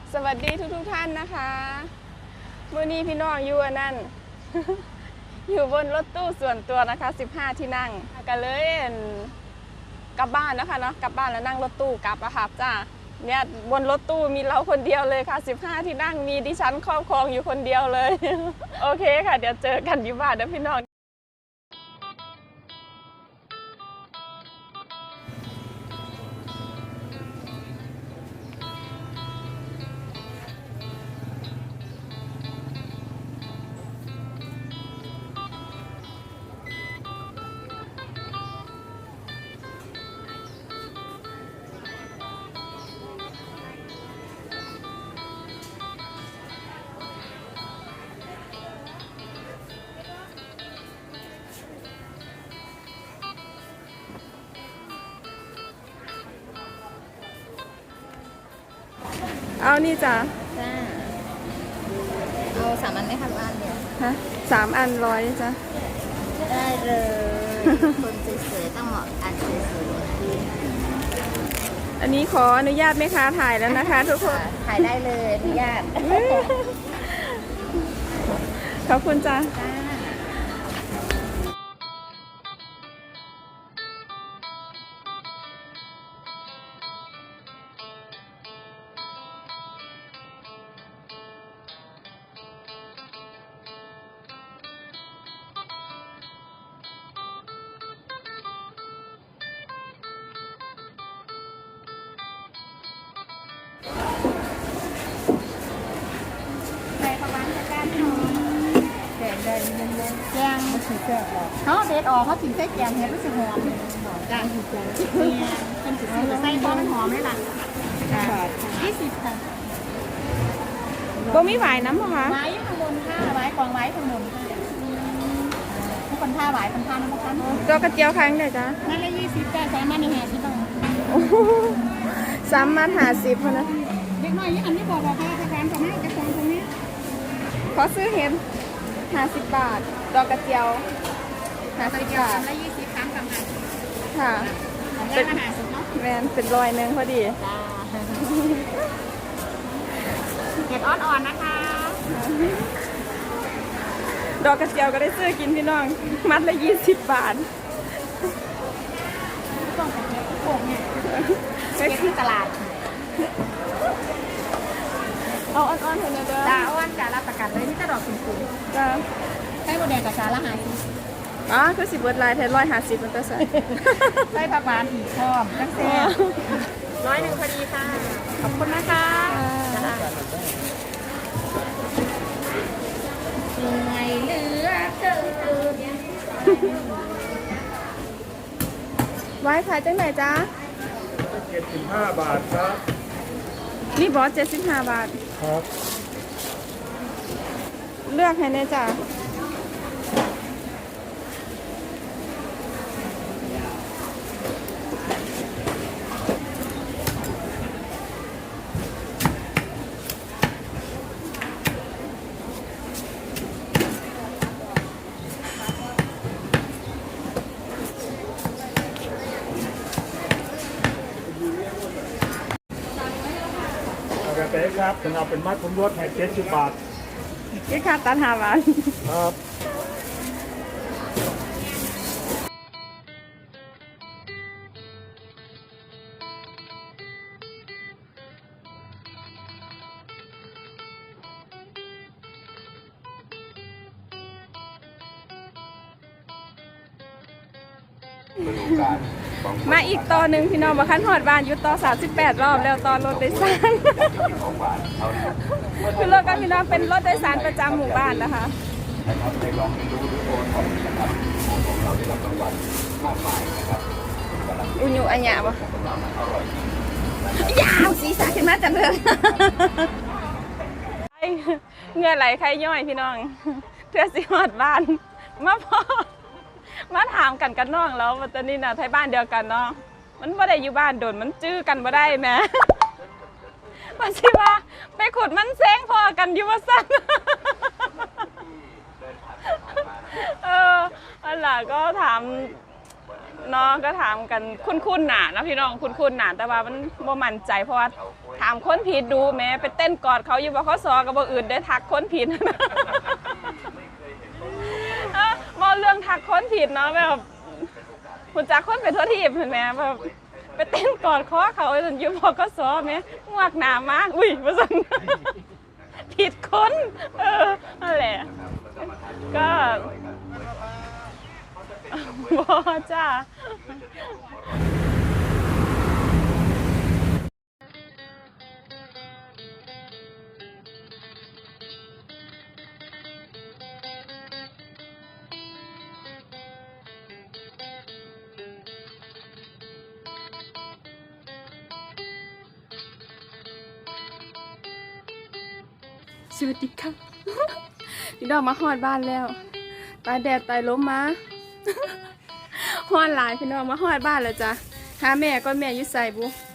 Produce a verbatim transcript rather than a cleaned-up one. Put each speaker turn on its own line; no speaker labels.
สวัสดีทุกทุกท่านนะคะมื้อนี้พี่น้องอยู่อันนั่น อยู่บนรถตู้ส่วนตัวนะคะสิบห้าที่นั่งก็เลยกลับบ้านนะคะเนาะกลับบ้านแล้วนั่งรถตู้กลับอะค่ะจ้าเนี่ยบนรถตู้มีเราคนเดียวเลยค่ะสิบห้าที่นั่งมีดิฉันครอบครองอยู่คนเดียวเลย โอเคค่ะเดี๋ยวเจอกันที่บ้านนะพี่น้องเอานี่จ้ะ
จ้าเอาสามอันไหมคะหรืออันเดียว
ฮะสามอันร้อยจ้ะ
ได้เลย คนสวยๆต้องเหมาะอันสวย
อันนี้ขออนุญาตไหมคะถ่ายแล้วนะคะทุกคน
ๆถ่ายได้เลยอนุญาต
ขอบคุณจ้ะ
ใส่ประมาณจะการทองแดงแดงเย็นเย็นแกงมันสีแกงออกเขาเด็ดออกเขาถึงใส่แกงเห็นรู้สึกหอมแกงถูกใจเนี่ยเป็นสีใส่ต้นหอมเลยล่ะยี่สิบค่ะ
บ่มีหวายน้ำหรอคะ
ไม้ข้างบนค่ะไม้กองไม้ข้างบนค่ะทุกคนท่าไหวคนท่าน้ำมัน
ตัวกระเจียวครั้งเดียวจ้ะ
นั่นละยี่สิบแต่สามารถในแห่ที่ต้อง
สามมาหาสิบพอนะ
เด็กน้อยยี่อันนี้บอกบอกว่าประกันตรงนี้จะฟองตรงนี้
ขอซื้อเห็นห้าสิบบาทดอกกระเจียวห้าสิบบาท
ละยี่สิบสามกับห้า
ค่ะ
เป็นอาหารสุดเนาะ
แมนเป็นรอยหนึ่งพอดี
จ้าเห็ดอ่อนๆนะคะ
ดอกกระเจียวก็ได้ซื้อกินพี่น้องมัดละยี่สิบบาท
ต้องเป็นเห็ดโป่งเนี่ยเห็ดที่ตลาด
เอาอ่อนๆเถอะนะเด้อ
จ้าอ่อนจ้ารับประกันเลยนี่จะดอกสูง
ๆจ้า
ใช้โมเดลกับชาละหาย
อ๋อคือสิบเบิร์ดลายแทนร้อยห้าสิบมันก็ใส่
ใช้ประมาณอีกพร้อมตั้งแต่ร้อยหนึ่งพอดีค่ะขอบคุณนะคะเหนื่อยเหลือเกิน
ไว้ขายจังไหนจ๊ะ
เจ็ดสิบห้าบาทครับ
นี่บอสเจ็ดสิบห้าบาท
ครับ
เลือกให้แน่จ้ะ
เอาไปเป๊ะครับถึงเอาเป็นมัดผมลดให้เจ็ดสิบบาท
กี่ค่าตัดห้าบาท
ครับ
มาอีกต่อหนึ่งพี่น้องมาขั้นหอดบ้านอยู่ต่อสามสิบแปดรอบแล้วตอนรถโดยสารคือรถกันพี่น้องเป็นรถโดยสารประจำหมู่บ้านนะคะอุญุอัญญาบ่ยาวสีสันขึ้นมาจังเลยเงื่อไหลใครย่อยพี่น้องเพื่อสิหอดบ้านมาพอมาถามกันกันน้องแล้วตอนนี้นะไทยบ้านเดียวกันเนาะมันไม่ได้อยู่บ้านโดนมันจื้อกันไม่ได้แม่มันสิว่าไปขุดมันเซ้งพอกันอยู่ว่าสั้นเอออันหล่ะก็ถาม น้องก็ถามกันคุ้นๆหนานะพี่น้องคุ้นๆหนาแต่ว่ามันบ่มั่นใจเพราะว่าถามามคนผิดดูแม้ไปเต้นกอดเขาอยู่บขสกับบ่อื่นได้ทักคนผิด มอเรื่องทักคนผิดเนาะแบบคุณจักคนไปทั่วทีบเห็นไหมแบบไปเต้นกอดคอเขาจนยุบก็ซ้อมเนี่ยงวกหนามากอุ้ยประสัน ผิดคนเออนั่นแหละก็บอจ้าสวัสดีค่ะ พี่น้องมาฮอดบ้านแล้วตายแดดตายลมมา ฮอดหลายพี่น้องมาฮอดบ้านแล้วจ้ะหาแม่ก็แม่อยุ่ใส่บุ